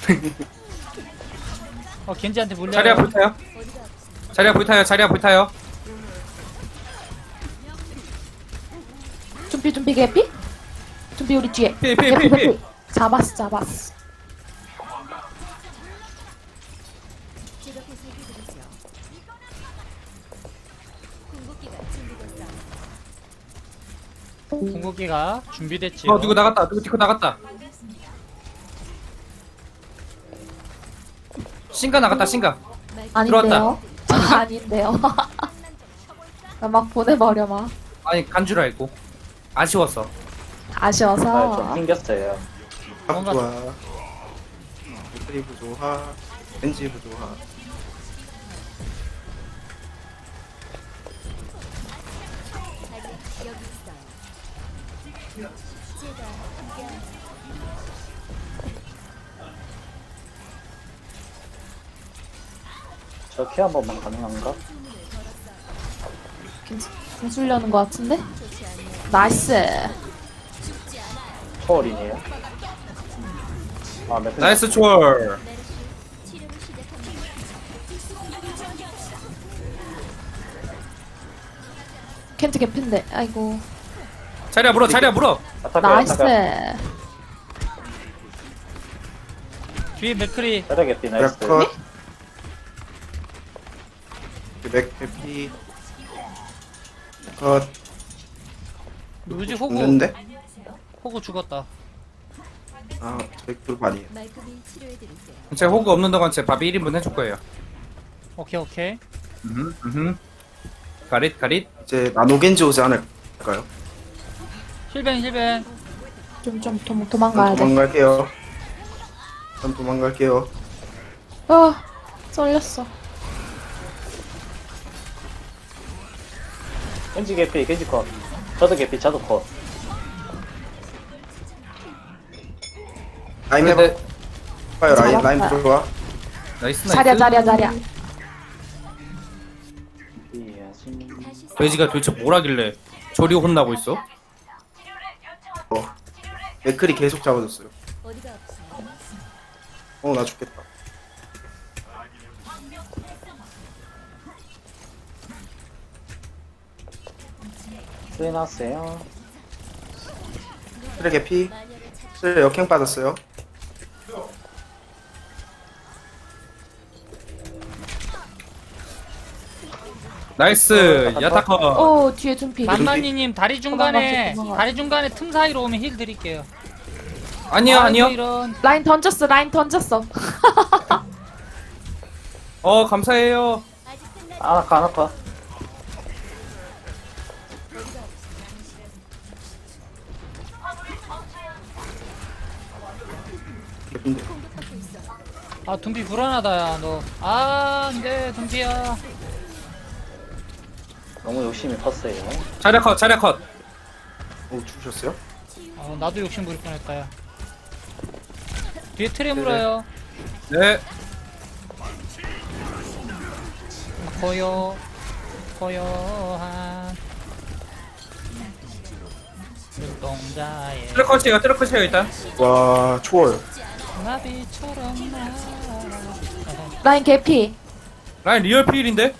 겐지한테 물려요. 자리야 불타요. 자리야 불타요. 자리야 불타요. 준비 개피? 준비 우리 뒤에. 피. 개피. 잡았어. 궁극기가 준비됐지요. 누구 나갔다. 누구 디코 나갔다. 신가 나갔다. 신가. 아닌데요? 아닌데요. 나 막 보내버려 막. 아니 간 줄 알고. 아쉬웠어. 아쉬워서. 좀 튕겼어요. 뭔가- 좋아. 리브 좋아. 벤지 좋아. 저 키 한 번만 가능한가? 궁술려는 것 같은데? 나이스. 초월이네요. 아, 몇 분? 나이스 초월. 켄트 개핀데. 아이고. 자리야 물어. 자리야 물어. 나이스. 뒤에 맥크리. 뼈다귀 나이스. 컷. 맥 해피. 컷. 누구지? 호구. 죽는데? 호구 죽었다. 아, 맥그룹 아니에요. 제 호그 없는 동안 제 밥이 1인분 해줄 거예요. 오케이. 가릿. 이제 나노겐지 오지 않을까요? 힐벤. 좀 도망가야 돼. 도망갈게요. 전 도망갈게요. 쏠렸어. 겐지 개피, 겐지 컷. 저도 개피, 저도 컷. 라인 해봐. 근데 봐요, 라인 잡았다. 들어와. 나이스. 자리야. 이해하지. 돼지가 도대체 뭘 하길래 저리 혼나고 있어? 맥클이 계속 잡아줬어요. 나 죽겠다. 수인하세요. 쓰레 개피. 쓰레 역행 빠졌어요. 나이스. 야타커. 뒤에 준비. 만만이님 다리 중간에 도망가. 틈 사이로 오면 힐 드릴게요. 아니요. 아이고, 이런. 라인 던졌어. 감사해요. 아나카. 개피인데. 아 둠비 불안하다 야 너. 안돼 둠비야. 너무 욕심이 컸어요. 자리야 컷. 죽으셨어요? 나도 욕심 부릴 뻔했다 야. 뒤에 트레 물어요. 네. 고요한 눈동자에 트럭컷이에요 일단. 와, 초월. 나비처럼 날아. 라인 개피. 라인 리얼 필인데?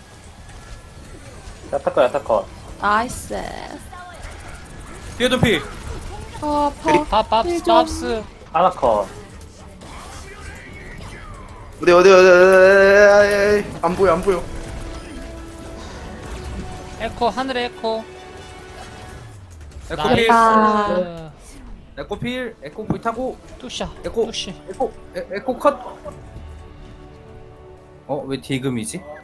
야타컷. 나이스. 뒤에도 필. 아파. 밥스 아나컷. 어디. 안 보여. 에코 하늘에 에코. 에코 필. 아. 에코 필. 에코 불 타고. 뚜샤 에코. 뚜시. 에코 컷. 왜 디금이지?